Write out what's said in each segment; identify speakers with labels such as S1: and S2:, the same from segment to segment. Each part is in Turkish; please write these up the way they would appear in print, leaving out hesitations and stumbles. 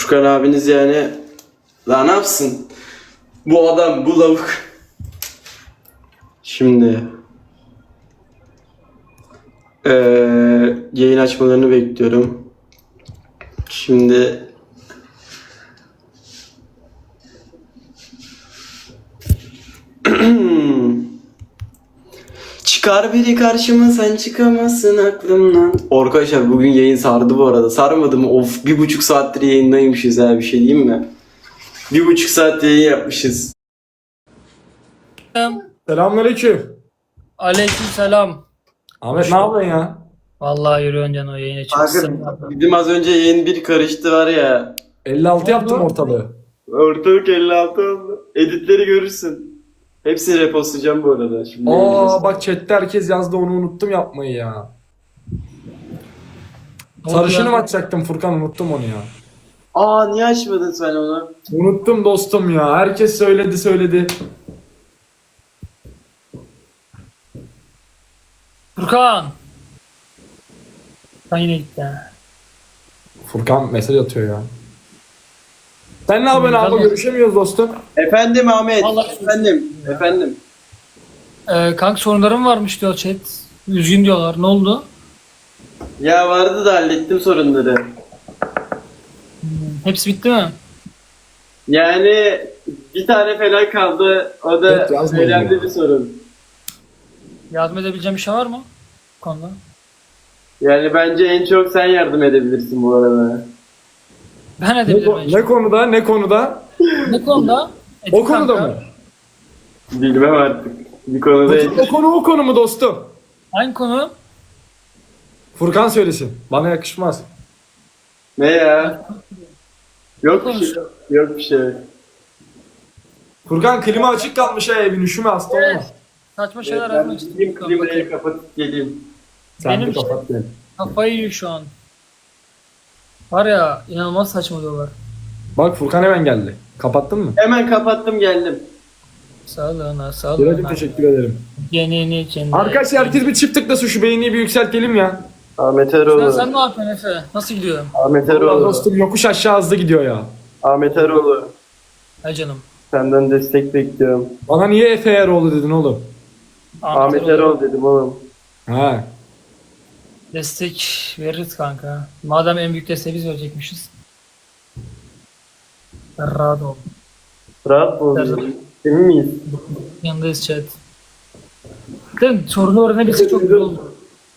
S1: Furkan abiniz yani daha ne yapsın? Bu adam, bu lavuk. Şimdi yayın açmalarını bekliyorum. Şimdi çıkar biri karşıma sen çıkamazsın aklımdan. Arkadaşlar bugün yayın sardı bu arada. Sarmadı mı? Of 1,5 saattir yayındaymışız ha, bir şey diyeyim mi? 1,5 saat yayın yapmışız.
S2: Selamünaleyküm.
S3: Aleykümselam.
S2: Ahmet ne yapıyorsun ya?
S3: Vallahi yürüyorsun can o yayına çıksın.
S1: Kanka bizim az önce yayın bir karıştı var ya.
S2: 56 yaptım ortalığı.
S1: Ortalık 56 oldu. Editleri görürsün. Hepsini repostlayacağım bu arada. Şimdi
S2: Aa bak chatte herkes yazdı, onu unuttum yapmayı ya. Sarışını mı açacaktım Furkan, unuttum onu ya.
S1: Aa niye açmadın sen onu?
S2: Unuttum dostum ya. Herkes söyledi.
S3: Furkan. Ben yine gitti ha.
S2: Furkan mesaj atıyor ya. Sen ne yapıyorsun abi?
S3: Tamam.
S2: Görüşemiyoruz dostum.
S1: Efendim Ahmet.
S3: Vallahi-
S1: Efendim.
S3: Kanka sorunlarım varmış diyor chat. Üzgün diyorlar. Ne oldu?
S1: Ya vardı da hallettim sorunları.
S3: Hepsi bitti mi?
S1: Yani bir tane falan kaldı. O da
S2: Evet, yazmayın
S1: önemli
S2: ya.
S1: bir sorun.
S3: Yardım edebileceğim bir şey var mı? Bu konuda.
S1: Yani bence en çok sen yardım edebilirsin bu arada.
S3: Ben edebilirim. en
S2: Ne
S3: çok.
S2: konuda? Ne konuda?
S3: Ne konuda?
S2: O konuda mı?
S1: Bilmem artık. Bir konuda
S2: O konu mu dostum?
S3: Hangi konu?
S2: Furkan söylesin. Bana yakışmaz.
S1: ne ya? Yok bir şey. Yok bir şey.
S2: Furkan klima açık kalmış ha, evin, üşüme, hasta olma.
S3: Evet. Saçma şeyler
S1: Ben
S3: yazmak
S1: gideyim
S3: istedim.
S1: klimayı kapatıp geleyim.
S2: Sen
S3: Benim
S2: de
S3: işte-
S2: kapat beni.
S3: Kafayı yiyor şu an. Var ya inanılmaz saçmalıyorlar.
S2: Bak Furkan hemen geldi. Kapattın mı?
S1: Hemen kapattım geldim.
S3: Sağlığına,
S2: Biracım
S3: sağlığına.
S2: teşekkür ederim.
S3: Genini içinde.
S2: Arkadaşlar herkes bir çift tıklasın, şu beğeniyi bir yükseltelim ya.
S1: Ahmet
S3: Sen
S1: Eroğlu.
S3: ne yapıyorsun Efe? Nasıl gidiyor?
S1: Ahmet
S2: Allah
S1: Eroğlu.
S2: dostum yokuş aşağı hızlı gidiyor ya.
S1: Ahmet Eroğlu.
S3: Hay canım.
S1: Senden destek bekliyorum.
S2: Bana niye Efe Eroğlu dedin oğlum?
S1: Ahmet
S3: Erol.
S1: Eroğlu dedim oğlum.
S2: Ha.
S3: Destek veririz kanka. Madem en büyük desteği biz verecekmişiz. Rahat ol.
S1: Rahat mı
S3: Her
S1: oldun?
S3: zaman.
S1: Emin miyiz?
S3: Yanındayız chat. Değil mi? Sorunu öğrenebilsek çok güzel olur.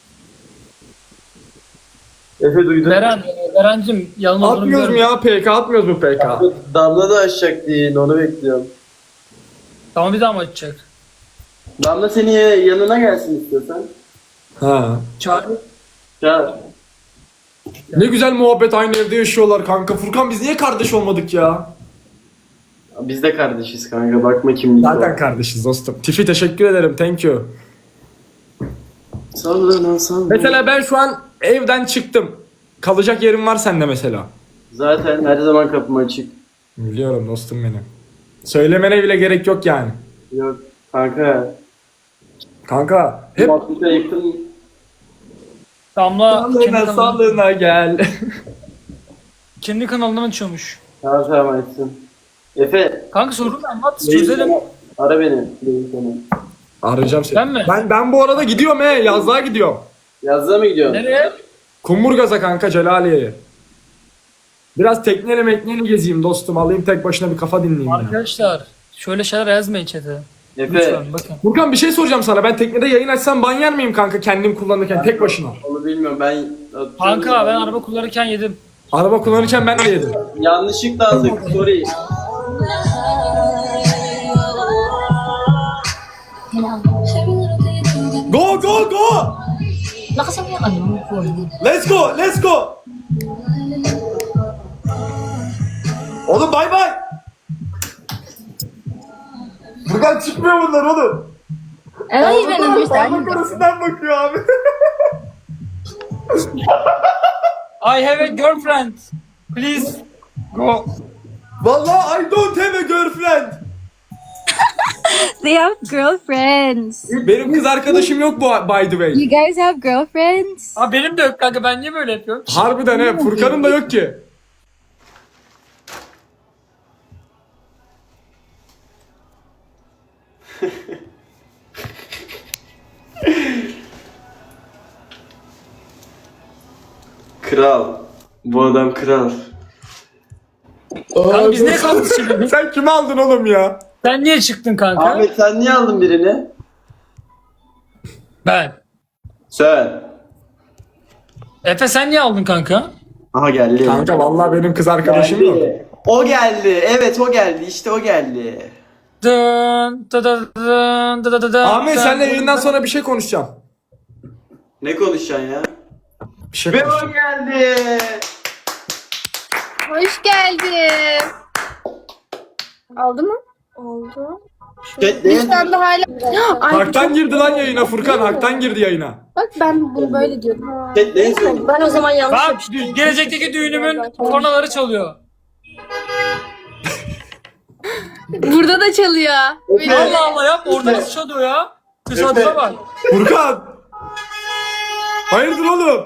S1: Efe duydun.
S3: Berencim yalın olduğunu
S2: Atmıyoruz mu
S3: biliyorum.
S2: ya PK, atmıyoruz mu PK?
S1: Damla da açacak diye onu bekliyorum.
S3: Tamam bir daha mı açacak?
S1: Damla seni yanına gelsin istiyorsan.
S2: Ha.
S3: Çağır.
S1: Ya
S2: Ne güzel muhabbet, aynı evde yaşıyorlar kanka. Furkan biz niye kardeş olmadık ya?
S1: biz de kardeşiz kanka, bakma kimlik
S2: Zaten
S1: var.
S2: kardeşiz dostum. Tifi teşekkür ederim, thank you.
S1: Sallana sallana.
S2: Mesela ben şu an evden çıktım. Kalacak yerim var sende mesela.
S1: Zaten her zaman kapım açık.
S2: Biliyorum dostum benim. Söylemene bile gerek yok yani.
S1: Yok kanka.
S2: Kanka hep
S1: Muhabbete yakın.
S3: Damla kendi
S2: sağlığına
S3: kanalını,
S2: sağlığına gel.
S3: kendi kanalından açıyormuş.
S1: Tamam etsin. Efe.
S3: Kanka sorunu anlat
S1: Reis
S3: çözelim.
S1: sana- Ara beni. Reis seni.
S2: Arayacağım seni.
S3: Ben mi?
S2: Ben bu arada gidiyorum yazlığa gidiyorum.
S1: Yazlığa mı gidiyorsun?
S3: Nereye?
S2: Kumburgaz'a kanka, Celaliye'ye. Biraz tekneyle mekneyle gezeyim dostum. Alayım tek başına bir kafa dinleyeyim ya.
S3: Arkadaşlar şöyle şeyler yazmayın chat'e.
S1: Efe.
S3: Lütfen bakın.
S2: Furkan bir şey soracağım sana. Ben teknede yayın açsam ban yer miyim kanka, kendim kullanırken tek başına?
S1: Onu bilmiyorum ben.
S3: Kanka ben araba kullanırken yedim.
S2: Araba kullanırken ben de yedim.
S1: Yanlışlıkla aldık. Sorry.
S2: Go go go!
S4: Lakasan mo yung ano, phone.
S2: Let's go, let's go! Oğlum bay bay! Buradan çıkmıyor bunlar oğlum.
S4: I don't even understand.
S2: Parmak arasından bakıyor abi.
S3: I have a girlfriend. Please go.
S2: Vallahi I don't have a girlfriend.
S4: They have girlfriends.
S2: Benim kız arkadaşım yok bu, by the way.
S4: You guys have girlfriends?
S3: Aa benim de yok kanka ben niye böyle yapıyorum?
S2: Harbiden he, Furkan'ın da yok ki.
S1: Kral. Bu adam kral.
S3: Kanka biz niye kaldık şimdi?
S2: Sen kimi aldın oğlum ya?
S3: Sen niye çıktın kanka?
S1: Ahmet sen niye aldın birini?
S3: Ben.
S1: Sen.
S3: Efe sen niye aldın kanka?
S1: Aha geldi.
S2: Kanka vallahi benim kız arkadaşım yok.
S1: Geldi. O geldi. Evet o geldi. İşte o geldi.
S3: Dın dı dı dın dı dı dı dın.
S2: Ahmet senle
S3: Dın
S2: yayından
S3: dın.
S2: sonra bir şey konuşacağım.
S1: Ne konuşacaksın ya?
S2: Bir şey
S1: Ve
S2: konuşacağım.
S1: o geldi.
S5: Hoş geldin. Oldu mu? Oldu. Şu anda hala... Ay,
S2: Hak'tan girdi lan yayına Furkan. Hak'tan girdi yayına.
S5: bak ben bunu böyle diyordum.
S1: Chat ne yazıyorsun?
S5: Ben o zaman yanlış
S3: Bak
S5: yapmışım.
S3: gelecekteki düğünümün kornaları çalıyor.
S5: Burada da çalıyor. Benim-
S3: Allah Allah yapma orada nasıl çalıyor ya? Tesadüfe bak.
S2: Furkan! Hayırdır oğlum?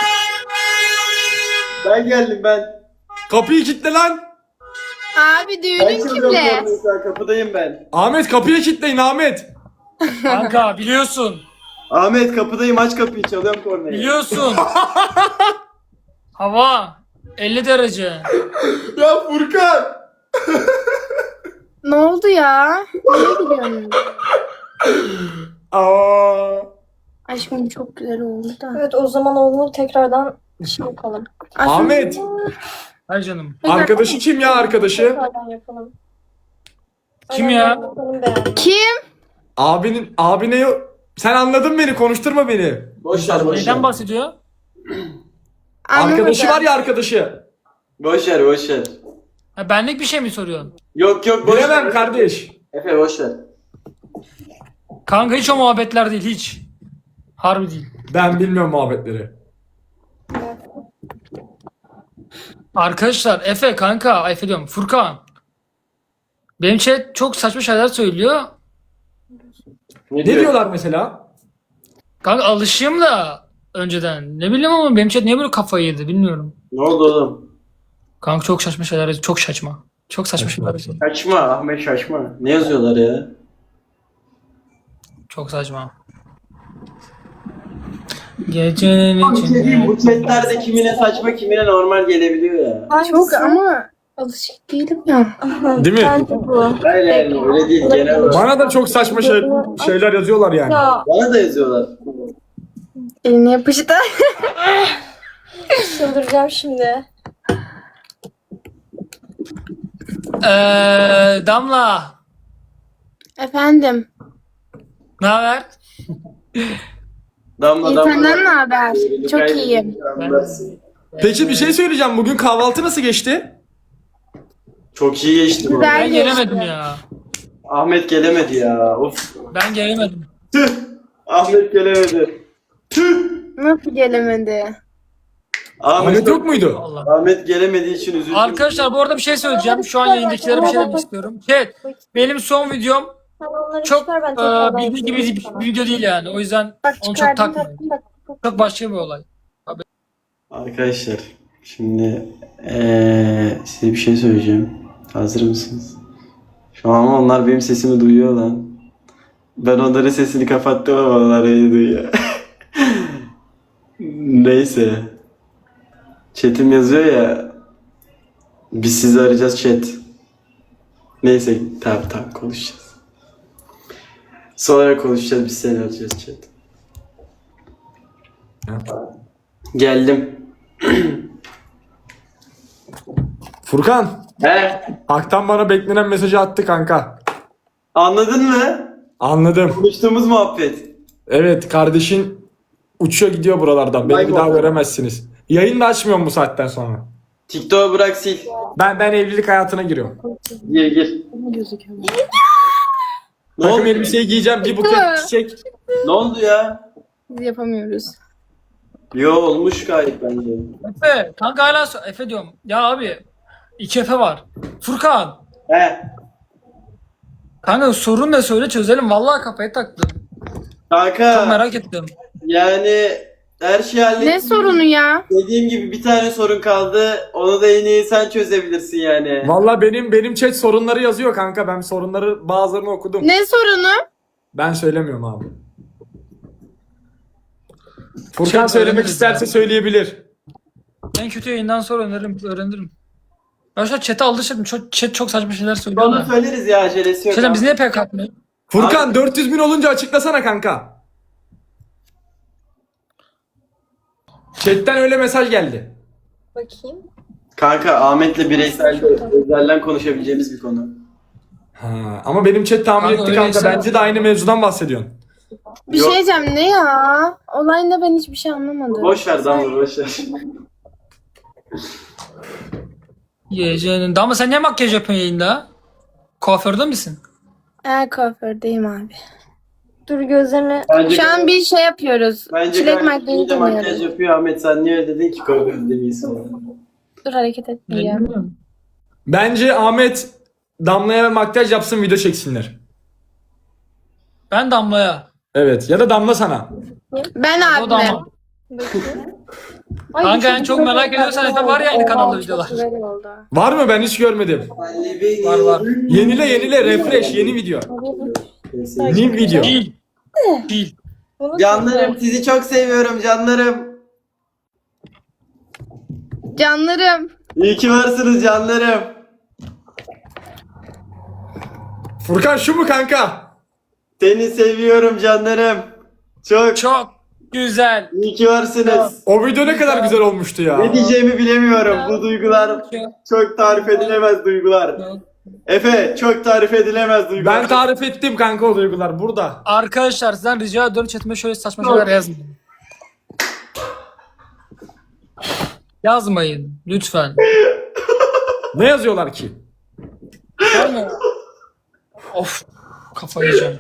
S1: Ben geldim ben.
S2: Kapıyı kilitle lan.
S5: Abi
S1: Ben
S5: düğünün
S1: çalacağım
S5: kimle?
S1: kornayı, şu an kapıdayım ben.
S2: Ahmet kapıyı kilitleyin Ahmet.
S3: Kanka biliyorsun.
S1: Ahmet kapıdayım, aç kapıyı, çalıyorum kornayı.
S3: Biliyorsun. Hava 50 derece.
S2: Ya Furkan!
S5: Ne oldu ya? Nereye gidiyorsun?
S2: Aa.
S5: Aşkım çok güzel oldu da.
S6: Evet o zaman onu tekrardan şey yapalım.
S5: Aslında-
S2: Ahmet!
S3: Hay canım.
S2: Arkadaşı kim ya arkadaşı?
S6: Tekrardan yapalım.
S3: Kim ya?
S6: Benim beğendim.
S5: Kim?
S2: Abine yok. Sen anladın beni, konuşturma beni.
S1: Boş ver, boş ver.
S3: Neyden bahsediyor?
S2: Arkadaşı var
S5: Anlamadım.
S2: ya arkadaşı.
S1: Boş ver, boş ver.
S3: Ha, benlik bir şey mi soruyorsun?
S1: Yok yok, boş
S2: Bilemem
S1: ver.
S2: kardeş.
S1: Efe boş ver.
S3: Kanka hiç o muhabbetler değil hiç. Harbi değil.
S2: Ben bilmiyorum muhabbetleri.
S3: Arkadaşlar Efe kanka Efe diyorum Furkan. Benim chat çok saçma şeyler söylüyor.
S2: Ne diyorlar mesela?
S3: Kanka alışayım da önceden. Ne bileyim ama benim chat niye böyle kafayı yedi bilmiyorum.
S1: Ne oldu oğlum?
S3: Kanka çok saçma şeyler çok saçma. Çok saçma şeyler yazıyor.
S1: Şaşma Ahmet, şaşma. Ne yazıyorlar ya?
S3: Çok saçma. Gecenin içinde.
S1: Bu chatlerde kimine saçma, kimine normal gelebiliyor ya.
S5: Çok ama alışık değilim ya.
S2: Değil mi?
S6: Bence bu.
S1: Hayır yani öyle değil, genel olarak.
S2: Bana da çok saçma şeyler yazıyorlar yani.
S6: Ya
S1: Bana da yazıyorlar.
S5: Eline yapıştı.
S6: çıldıracağım şimdi.
S3: Damla.
S5: Efendim.
S3: Ne haber?
S1: Damla
S5: İyi
S1: damla.
S5: senden ne haber? Çok iyiyim.
S2: Peki bir şey söyleyeceğim. Bugün kahvaltı nasıl geçti?
S1: Çok iyi geçti bu.
S5: Güzel.
S3: Ben gelemedim ya.
S1: Ahmet gelemedi ya. Of.
S3: Ben gelemedim.
S1: Tüh. Ahmet gelemedi. Tüh.
S5: Nasıl gelemedi?
S2: Ahmet yok muydu?
S3: Allah.
S1: Ahmet gelemediği için üzüldüm.
S3: Arkadaşlar bu arada bir şey söyleyeceğim. Şu an yayındakilere bir şey demek istiyorum. Chat benim son videom
S6: Sen onları
S3: çok
S6: çıkar ben tekrardan
S3: bildiği gibi
S6: yapayım.
S3: bir video değil yani. O yüzden
S5: Bak
S3: onu çok
S5: çıkardım
S3: takmayın.
S5: bak.
S3: Çok başka bir olay.
S1: Arkadaşlar şimdi size bir şey söyleyeceğim. Hazır mısınız? Şu an onlar benim sesimi duyuyor lan. Ben onların sesini kapattım ama onlar beni duyuyor. Neyse. Chat'im yazıyor ya. Biz sizi arayacağız chat. Neyse tamam konuşacağız. Sonra konuşacağız, biz seni arayacağız chat. Geldim.
S2: Furkan.
S1: He?
S2: Hak'tan bana beklenen mesajı attı kanka.
S1: Anladın mı?
S2: Anladım.
S1: Konuştuğumuz muhabbet.
S2: Evet kardeşin uçuyor gidiyor buralardan. Beni bir daha göremezsiniz. Yayını da açmıyorum bu saatten sonra.
S1: TikTok'u bırak sil.
S2: Ben evlilik hayatına giriyorum.
S1: Gir. Ne
S2: Takım
S1: oldu?
S2: elbiseyi giyeceğim. Bir buket çiçek.
S1: Ne oldu ya?
S5: Biz yapamıyoruz.
S1: Yo olmuş gayet bence.
S3: Efe kanka hala Efe diyorum. Ya abi 2 Efe var. Furkan.
S1: He.
S3: Kanka sorun ne söyle çözelim. Vallahi kafayı taktım. Çok
S1: Kanka
S3: merak ettim.
S1: yani her şeyi hallettim.
S5: Ne sorunu ya?
S1: Dediğim gibi bir tane sorun kaldı. Onu da en iyi sen çözebilirsin yani.
S2: Valla benim chat sorunları yazıyor kanka. Ben sorunları bazılarını okudum.
S5: Ne sorunu?
S2: Ben söylemiyorum abi. Furkan
S3: Chat
S2: söylemek
S3: öğreniriz
S2: isterse
S3: ya.
S2: söyleyebilir.
S3: En kötü yayından sonra öğrenirim. Ben şu an chat'e alışırım. Chat çok saçma şeyler söylüyor
S1: Onu
S3: da.
S1: söyleriz ya, acelesi yok.
S3: Şeyden biz
S1: abi.
S3: niye PK atmıyoruz?
S2: Furkan 400 bin olunca açıklasana kanka. Chat'ten öyle mesaj geldi.
S6: Bakayım.
S1: Kanka Ahmet'le bireysel özelden konuşabileceğimiz bir konu.
S2: Ha, ama benim chat tahmin
S3: Kanka
S2: etti
S3: öyle
S2: kanka.
S3: insan-
S2: Bence de aynı mevzudan bahsediyorsun.
S5: Bir
S1: Yok.
S5: şey diyeceğim, ne ya? Olay ne, ben hiçbir şey anlamadım.
S1: Boş ver Damla, boş ver.
S3: Yiyeceğinin. Ama sen niye makyaj yapıyorsun yayında? Kuaförde misin?
S5: Kuafördeyim abi.
S6: Dur gözlerine.
S1: Bence,
S5: Şu an bir şey yapıyoruz.
S1: bence
S5: Çilek
S1: gayet iyi
S5: makyajı
S1: de makyaj
S5: deniyoruz.
S1: yapıyor Ahmet. Sen niye öyle dedin ki kuaförde değilsin?
S5: Dur, hareket etmeyeceğim.
S3: Bilmiyorum.
S2: Bence Ahmet Damla'ya makyaj yapsın, video çeksinler.
S3: Ben Damla'ya.
S2: Evet, ya da Damla sana.
S5: Ben
S3: O da
S5: abime.
S3: ama.
S6: Bakayım.
S3: Kanka en çok merak ediyorsan Efe var ya aynı kanalda videolar.
S5: Güzel oldu.
S2: Var mı? Ben hiç görmedim.
S3: Var.
S2: Yenile refresh, yeni video. New video.
S3: Değil. Değil.
S6: Bunu
S1: Canlarım, sizi çok seviyorum canlarım.
S5: Canlarım.
S1: İyi ki varsınız canlarım.
S2: Furkan şu mu kanka?
S1: Seni seviyorum canlarım. Çok
S3: Çok güzel.
S1: iyi ki varsınız.
S2: O video ne kadar güzel olmuştu ya.
S1: Ne diyeceğimi bilemiyorum. Bu duygular çok tarif edilemez duygular. Efe, çok tarif edilemez duygular.
S2: Ben tarif ettim kanka o duygular burada.
S3: Arkadaşlar sizden rica ediyorum chatime şöyle saçma şeyler yazmayın. Yazmayın lütfen.
S2: Ne yazıyorlar ki?
S3: Var mı? Of, kafayı yiyeceğim.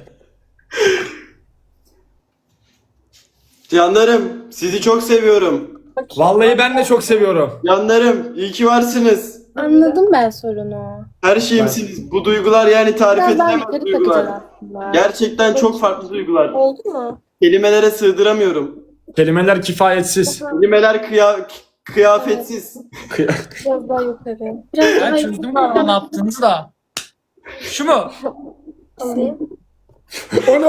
S1: Canlarım, sizi çok seviyorum.
S2: Vallahi ben de çok seviyorum.
S1: Canlarım, iyi ki varsınız.
S5: Anladım ben sorunu.
S1: Her şeyimsiniz. Bu duygular yani tarif
S5: Biraz daha
S1: edilemez
S5: yukarı
S1: duygular.
S5: takacağız aslında.
S1: Gerçekten çok farklı duygular.
S6: oldu mu?
S1: Kelimelere sığdıramıyorum.
S2: Kelimeler kifayetsiz.
S1: Kelimeler kıyafetsiz.
S6: Biraz daha yukarı.
S5: Biraz
S3: Ben
S5: daha
S3: çözdüm galiba ne yaptığınızı da. Şu mu?
S6: Alayım.
S2: Onu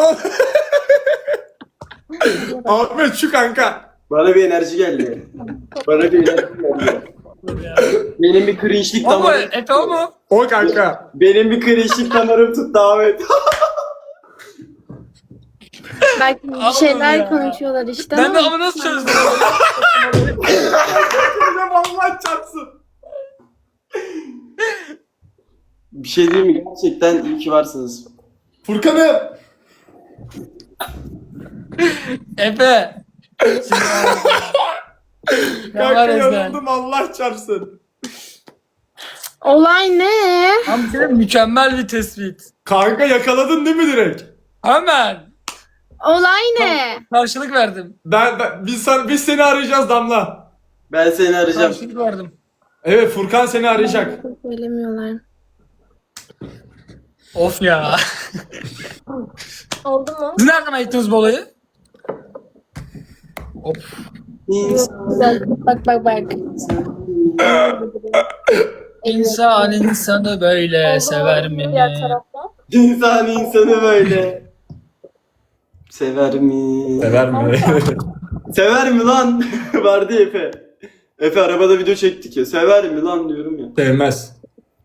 S2: Ahmet şu kanka.
S1: Bana bir enerji geldi. Bana bir enerji geldi. Benim bir cringe'lik
S3: O mu?
S1: damarım.
S3: Efe o mu?
S2: O kanka.
S1: Benim bir cringe'lik damarım tuttu Ahmet.
S5: belki bir
S3: Allah'ım
S5: şeyler
S3: ya.
S5: konuşuyorlar işte
S3: Ben de
S5: ama
S3: ama nasıl çözdüm?
S2: Allah çarpsın.
S1: Bir şey diyeyim mi? Gerçekten iyi ki varsınız.
S2: Furkan'ım.
S3: Efe. Ne var
S2: Kanka
S3: Ezden?
S2: yanıldım Allah çarpsın.
S5: olay ne?
S3: Tam bir mükemmel bir tespit.
S2: Kanka yakaladın değil mi direkt?
S3: Hemen.
S5: Olay ne?
S3: Karşılık verdim.
S2: Biz seni arayacağız Damla.
S1: Ben seni arayacağım.
S3: Karşılık verdim.
S2: Evet Furkan seni arayacak.
S5: Söylemiyorlar.
S3: Of ya.
S6: Oldu mu?
S3: Siz nereden ayıttınız bu olayı? Hop.
S5: Güzel. Bak.
S3: İnsan insanı böyle sever mi?
S6: Diğer tarafta.
S1: İnsan insanı böyle. Sever mi?
S2: Sever mi?
S1: Sever mi lan? Vardı ya Efe. Efe arabada video çektik ya. Sever mi lan diyorum ya.
S2: Sevmez.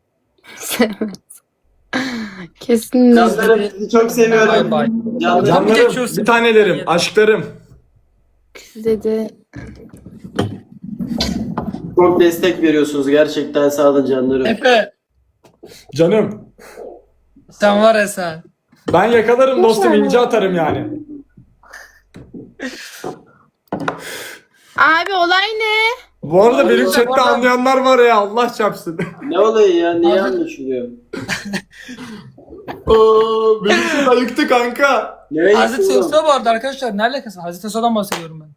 S5: Kesinlikle.
S1: Canlarım sizi çok seviyorum.
S3: Bay bay.
S1: Canlarım.
S2: Canlarım, bir tanelerim, aşklarım.
S5: Size de
S1: Çok destek veriyorsunuz. Gerçekten sağ olun canlarım.
S3: Efe.
S2: Canım.
S3: Sen var ya sen.
S2: Ben yakalarım dostum, ince atarım yani.
S5: Abi olay ne?
S2: Bu arada benim
S3: Allah
S2: chatte
S3: Allah.
S2: anlayanlar var ya, Allah çarpsın.
S1: Ne olayı ya? Niye anlaşılıyor?
S2: Oo, benim chat ayıktı kanka.
S1: Ne
S3: Hazreti
S1: oğlum?
S3: Yusuf bu arada arkadaşlar. Ne alakası var? Hazreti Yusuf'dan bahsediyorum ben.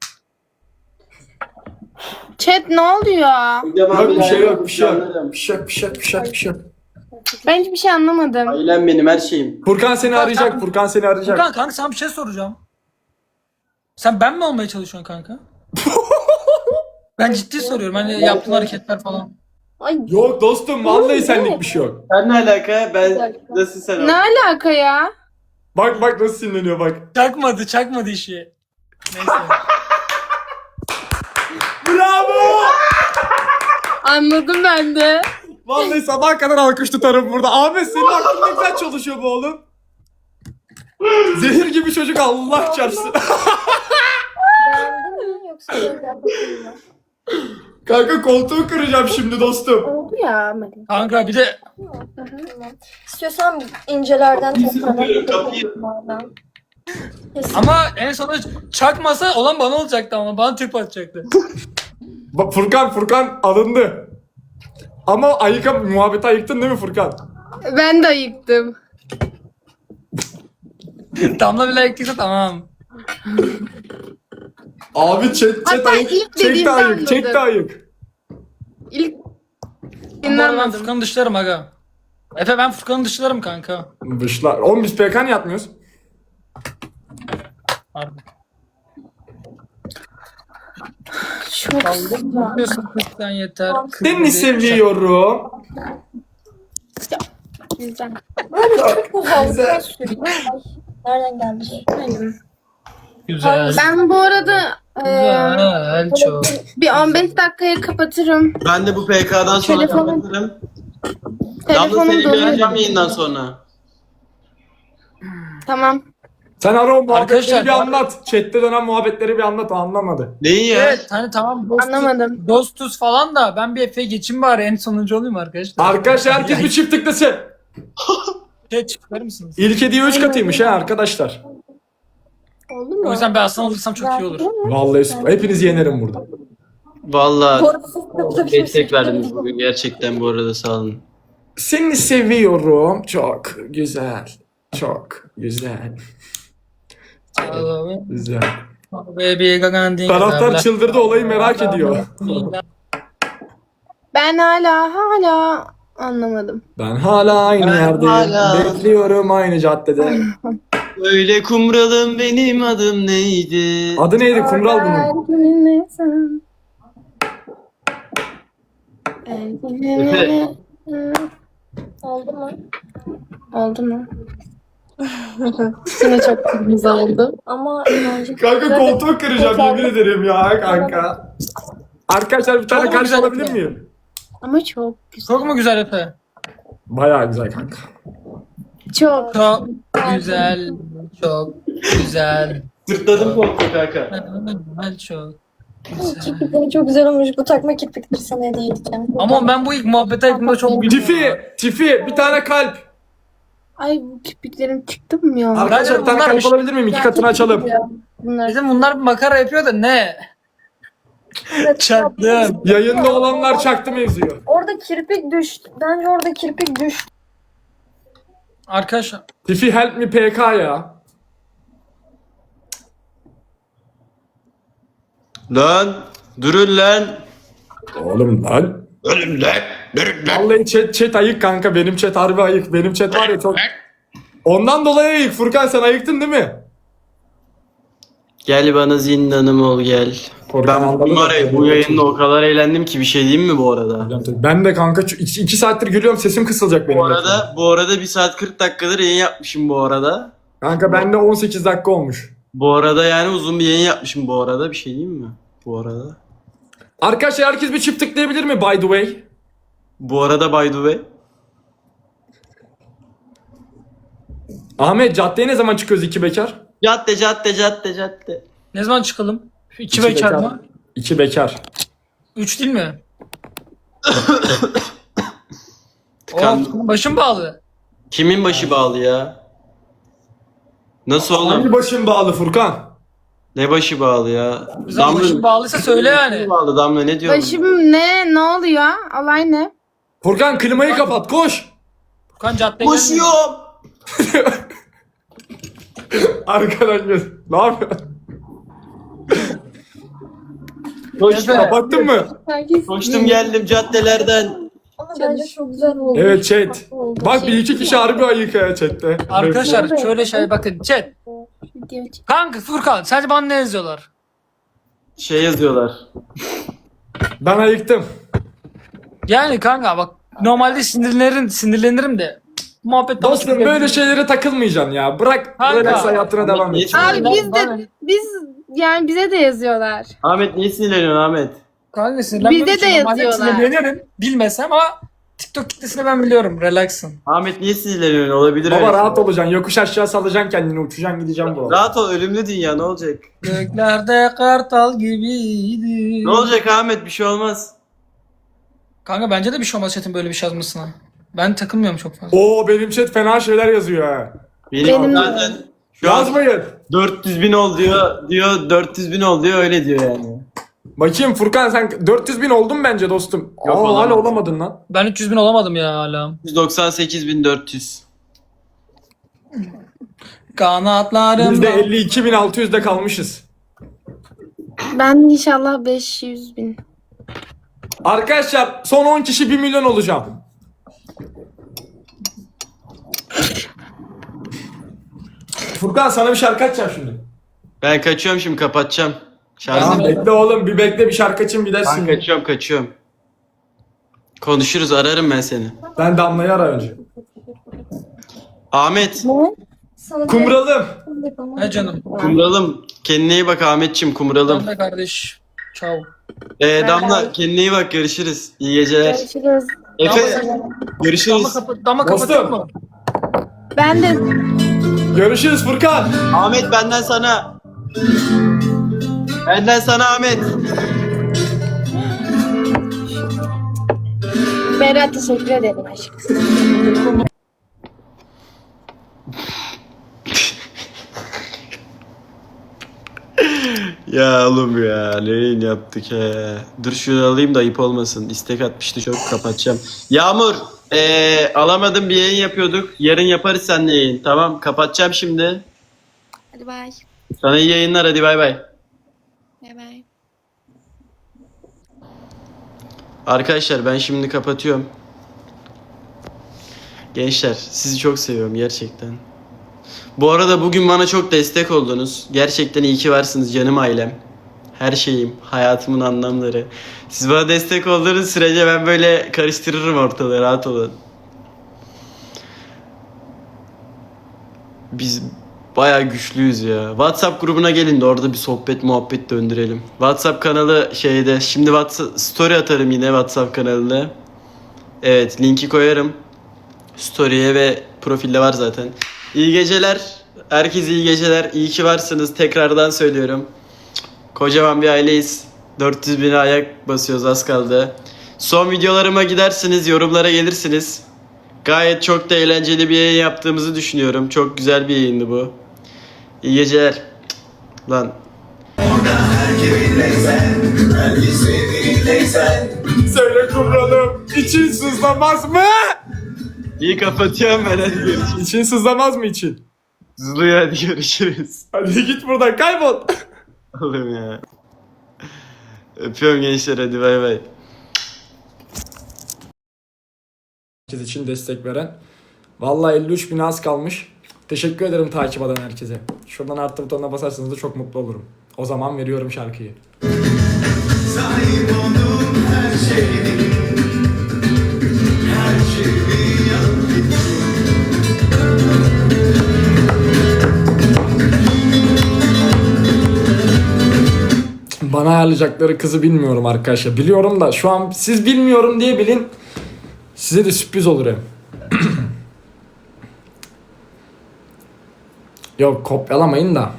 S5: Chat ne oluyor?
S1: Kocaman
S2: Yok bir şey
S1: ailem,
S2: yok, bir şey yok.
S1: canlarım.
S2: Bir şey yok, bir şey yok, bir şey yok, bir şey yok.
S5: Ben hiçbir şey anlamadım.
S1: Ailem benim, her şeyim.
S2: Furkan seni arayacak, Furkan seni arayacak.
S3: Furkan kanka sana bir şey soracağım. Sen ben mi olmaya çalışıyorsun kanka? Ben ciddi soruyorum. Hani yaptığın hareketler falan.
S6: Ay
S2: Yok dostum, vallahi senlik bir şey yok.
S1: Sen ne alaka? Ben nasıl sen?
S5: Ne alaka ya?
S2: Bak nasıl sinirleniyor bak.
S3: Çakmadı işi. Neyse.
S2: Bravo!
S5: Anladım ben de.
S2: Vallahi sabah kadar alkış tutarım burada. Ahmet senin aklın ne güzel çalışıyor bu oğlum. Zehir gibi çocuk Allah çarpsın.
S6: Beğendin mi yoksa böyle yapayım mı?
S2: Kanka koltuğu kıracağım şimdi dostum.
S5: Oldu ya Mali.
S3: Kanka bir de
S6: Tamam. İstiyorsan incelerden tekrardan.
S3: ama en sonunda çakmasa olan bana olacaktı ama bana tüp atacaktı.
S2: Bak Furkan alındı. Ama muhabbeti ayıktın değil mi Furkan?
S5: Ben de ayıktım.
S3: Damla bile ektiyse tamam.
S2: Abi çek
S5: Hatta
S2: ayık.
S5: ilk
S2: Çek de
S5: dediğimde
S2: ayık. Çek de
S5: anladım.
S2: ayık.
S5: İlk
S3: Bu arada ben
S5: dinlenmedim.
S3: Furkan'ı dışlarım aga. Efe ben Furkan'ı dışlarım kanka.
S2: Dışlar. Oğlum biz PK'n yatmıyoruz.
S3: Harbi.
S5: Çok
S3: Diyorsun kızdan yeter.
S2: Seni seviyorum.
S5: güzel.
S6: Güzel. Nereden geldi?
S3: Güzel.
S5: Ben bu arada
S3: Güzel çok.
S5: bir 15 dakikaya kapatırım.
S1: Ben de bu PK'dan sonra
S5: Telefonum-
S1: kapatırım. Damla
S5: Telefonum
S1: seni
S5: dolu.
S1: göreceğim yayından sonra.
S5: Tamam.
S2: Sen ara o muhabbetleri
S3: Arkadaşlar-
S2: bir anlat. Chat'te dönen muhabbetleri bir anlat. O anlamadı.
S1: Neyi ya?
S3: Evet hani tamam dostuz,
S5: Anlamadım.
S3: dostuz falan da ben bir Efe'ye geçeyim bari en sonuncu olayım arkadaşlar.
S2: Arkadaşlar herkes bir çift tıklasın.
S3: Şey çıkarır mısınız?
S2: İlk hediye 3 katıymış ha arkadaşlar.
S6: Oldu mu?
S3: O yüzden ben aslan olursam çok iyi olur.
S2: Vallahi süper. Hepinizi yenerim burada.
S1: Vallahi
S6: Korkusuz
S1: destek verdiniz bugün gerçekten bu arada sağ olun.
S2: Seni seviyorum. Çok güzel. Çok güzel. Güzel.
S3: Baby Gagandin.
S2: Taraftar çıldırdı, olayı merak ediyor.
S5: Ben hala anlamadım.
S2: Ben hala aynı
S1: Ben
S2: yerdeyim.
S1: hala-
S2: Bekliyorum aynı caddede.
S1: Öyle kumralım benim adım neydi?
S2: Adı neydi? Kumral bunun.
S1: Efe.
S6: Oldu mu?
S5: Oldu mu? Yine çok kırmızı oldu.
S6: Ama inancı...
S2: Kanka koltuğu kıracağım yemin ederim ya kanka. Arkadaşlar bir tane
S3: Çok
S2: karşı
S3: güzel
S2: alabilir
S3: yapıyor.
S2: miyim?
S5: Ama çok güzel.
S3: Çok mu güzel Efe?
S2: Bayağı güzel kanka.
S5: Çok.
S3: Çok güzel. Çok güzel.
S1: Sırtladım koltuğu kanka.
S3: Güzel çok.
S6: Kirpikleri çok güzel olmuş. Bu takma kirpikleri sana hediye edeceğim.
S3: Ama ben bu ilk muhabbet ayıpımda çok gülüyorum.
S2: Tifi bir tane kalp.
S5: Ay bu kirpiklerim çıktı mı ya?
S2: Arkadaşlar bir tane
S3: bunlar-
S2: kalp alabilir miyim? İki katını açalım.
S5: Bunlar.
S3: Bizim bunlar bir makara yapıyor da ne? Çaktım.
S2: Yayında olanlar çaktı mevzuyu.
S6: Orada kirpik düştü. Bence orada kirpik düştü.
S3: Arkadaşlar
S2: Tifi help me PK ya.
S1: Lan durun lan.
S2: Oğlum lan.
S1: Ölüm lan. Durun lan.
S2: Vallahi chat ayık kanka. Benim chat harbi ayık. Benim chat var ya çok... Ondan dolayı ayık. Furkan sen ayıktın değil mi?
S1: Gel bana zindanım ol gel.
S2: Furkan
S1: Ben
S2: anladı da-
S1: bu yayında o kadar eğlendim ki bir şey diyeyim mi bu arada?
S2: Ben de kanka 2 saattir gülüyorum, sesim kısılacak benim.
S1: Bu arada 1 saat 40 dakikadır yayın yapmışım bu arada.
S2: Kanka bende 18 dakika olmuş.
S1: Bu arada yani uzun bir yayın yapmışım bu arada. Bir şey diyeyim mi? Bu arada.
S2: Arkadaşlar herkes bir çift tıklayabilir mi by the way?
S1: Bu arada by the way.
S2: Ahmet caddeye ne zaman çıkıyoruz iki bekar?
S1: Cadde.
S3: ne zaman çıkalım? İki bekar mı?
S2: İki bekar.
S3: 3 değil mi?
S1: Tıkandım.
S3: Oh, başım bağlı.
S1: Kimin başı bağlı ya? Nasıl
S2: Hangi
S1: oğlum?
S2: başın bağlı Furkan?
S1: Ne başı bağlı ya?
S3: Güzel başım bağlıysa söyle yani.
S1: bağlı Damla ne diyorsun?
S5: Başım ne oluyor? Olay ne?
S2: Furkan klimayı kapat koş.
S3: Furkan caddeye gelmiyor.
S1: Koşuyorum.
S2: Arkadaşlar ne yapıyorsun?
S3: Efe,
S2: Kapattın mı?
S6: Herkes
S1: Koştum geldim caddelerden.
S6: Ama bence çok güzel oldu.
S2: Evet chat.
S6: Oldu.
S2: Bak bir iki kişi harbi ayık ya chatte.
S3: Arkadaşlar şöyle şey bakın chat.
S5: Video çek.
S3: Kanka Furkan sence bana ne yazıyorlar?
S1: Şey yazıyorlar.
S2: Ben ayıktım.
S3: Yani kanka bak normalde sinirlenirim de muhabbet
S2: Dostum böyle şeylere takılmayacaksın ya. Bırak
S3: Kanka.
S2: relax hayatına devam et.
S5: Abi biz yani bize de yazıyorlar.
S1: Ahmet niye sinirleniyorsun Ahmet?
S3: Kanka sinirlenmem
S5: Bizde de
S3: için normalde
S5: yazıyorlar.
S3: sinirlenirim. Bilmesem ama TikTok kitlesini ben biliyorum. Relaxın.
S1: Ahmet niye sinirleniyorsun? Olabilir
S2: Baba
S1: öyle.
S2: rahat olacaksın. Yokuş aşağı salacaksın kendini. Uçacaksın gideceğim bu.
S1: Rahat ol, ölümlü dünya, ne olacak?
S3: Göklerde kartal gibiydi.
S1: Ne olacak Ahmet, bir şey olmaz.
S3: Kanka bence de bir şey olmaz chat'in böyle bir şey yazmasına. Ben takılmıyorum çok fazla.
S2: Oo benim chat fena şeyler yazıyor ha.
S1: Benim
S5: Benim-
S1: zaten şu an
S2: Yazmayın.
S1: 400 bin ol diyor 400 bin ol diyor, öyle diyor yani.
S2: Bakayım Furkan sen 400 bin oldun bence dostum.
S1: Yok,
S2: Aa, hala
S1: olamadım.
S2: olamadın lan.
S3: Ben 300 bin olamadım ya hala.
S1: 198.400.
S3: Kanatlarım.
S2: %52.600'de kalmışız.
S5: Ben inşallah 500.000.
S2: Arkadaşlar son 10 kişi 1 milyon olacağım. Furkan sana bir şarkı açacağım şimdi.
S1: Ben kaçıyorum şimdi, kapatacağım.
S2: Tamam
S1: Şarjım.
S2: bekle oğlum bir bekle bir şarkı açayım
S1: Ben
S2: gidersin.
S1: kaçıyorum. Konuşuruz, ararım ben seni.
S2: Ben Damla'yı ara önce.
S1: Ahmet,
S6: Sana
S2: Kumralım.
S3: Ne canım.
S1: kumralım. Kendine iyi bak Ahmetçim, kumralım.
S3: Tamam da kardeş. Ciao.
S1: Damla kendine iyi bak, görüşürüz. İyi geceler.
S5: Görüşürüz.
S1: Efe,
S3: Dama
S1: görüşürüz.
S3: dama kapatıyor mu?
S5: Ben de
S2: Görüşürüz Furkan.
S1: Ahmet benden sana. Benden sana Ahmet.
S5: Berat teşekkür ederim aşkım.
S1: Ya oğlum ya, neyin yaptık he. Dur şunu alayım da ayıp olmasın. İstek atmıştı, çok kapatacağım. Yağmur, alamadım, bir yayın yapıyorduk. Yarın yaparız seninle yayın. Tamam, kapatacağım şimdi.
S7: Hadi bay.
S1: Sana iyi yayınlar, hadi bay bay.
S7: Bay bay.
S1: Arkadaşlar ben şimdi kapatıyorum. Gençler sizi çok seviyorum gerçekten. Bu arada bugün bana çok destek oldunuz. Gerçekten iyi ki varsınız canım ailem. Her şeyim, hayatımın anlamları. Siz bana destek olduğunuz sürece ben böyle karıştırırım ortalığı, rahat olun. Biz bayağı güçlüyüz ya. WhatsApp grubuna gelin de orada bir sohbet muhabbet döndürelim. WhatsApp kanalı şeyde. Şimdi WhatsApp story atarım yine WhatsApp kanalına. Evet, linki koyarım. Story'e ve profilde var zaten. İyi geceler. Herkese iyi geceler. İyi ki varsınız. Tekrardan söylüyorum. Kocaman bir aileyiz. 400 bine ayak basıyoruz, az kaldı. Son videolarıma gidersiniz, yorumlara gelirsiniz. Gayet çok da eğlenceli bir yayın yaptığımızı düşünüyorum. Çok güzel bir yayındı bu. İyi geceler. Lan.
S2: Söyle Kumralım. İçin sızlamaz mı?
S1: İyi kapatıyorum ben, hadi görüşürüz.
S2: İçin sızlamaz mı için?
S1: Zuluyor, hadi görüşürüz.
S2: Hadi git buradan kaybol.
S1: Oğlum ya. Öpüyorum gençler, hadi bay bay.
S2: Herkes için destek veren. Vallahi 53 bin az kalmış. Teşekkür ederim takip eden herkese. Şuradan artı butonuna basarsanız da çok mutlu olurum. O zaman veriyorum şarkıyı. Bana ayarlayacakları kızı bilmiyorum arkadaşlar. Biliyorum da şu an siz bilmiyorum diye bilin. Size de sürpriz olur hem. Yok kopyalamayın da.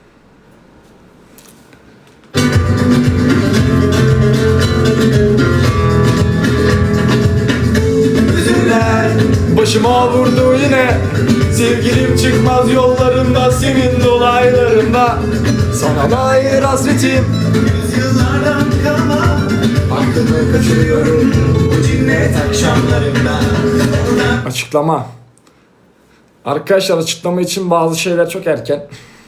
S2: Başıma vurdu yine. Sevgilim çıkmaz yollarında, senin dolaylarında. Sana dair hasretim. Yüzyıllardan kalma. Aklımı kaçırıyorum bu cinnet akşamlarında. Açıklama. Arkadaşlar açıklama için bazı şeyler çok erken.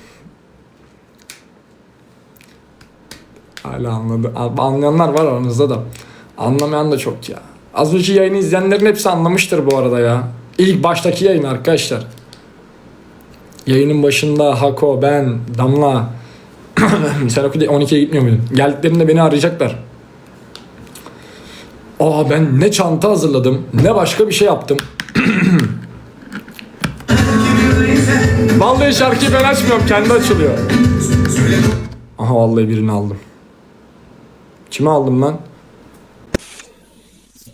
S2: Hala anladı. Anlayanlar var aranızda da. Anlamayan da çok ya. Az önce yayını izleyenlerin hepsi anlamıştır bu arada ya. İlk baştaki yayın arkadaşlar. Yayının başında Hako, ben, Damla. Sen okulda 12'ye gitmiyor muydun? Geldiklerinde beni arayacaklar. Aa ben ne çanta hazırladım, ne başka bir şey yaptım. Vallahi şarkıyı ben açmıyorum, kendi açılıyor. Aha vallahi birini aldım. Kime aldım ben?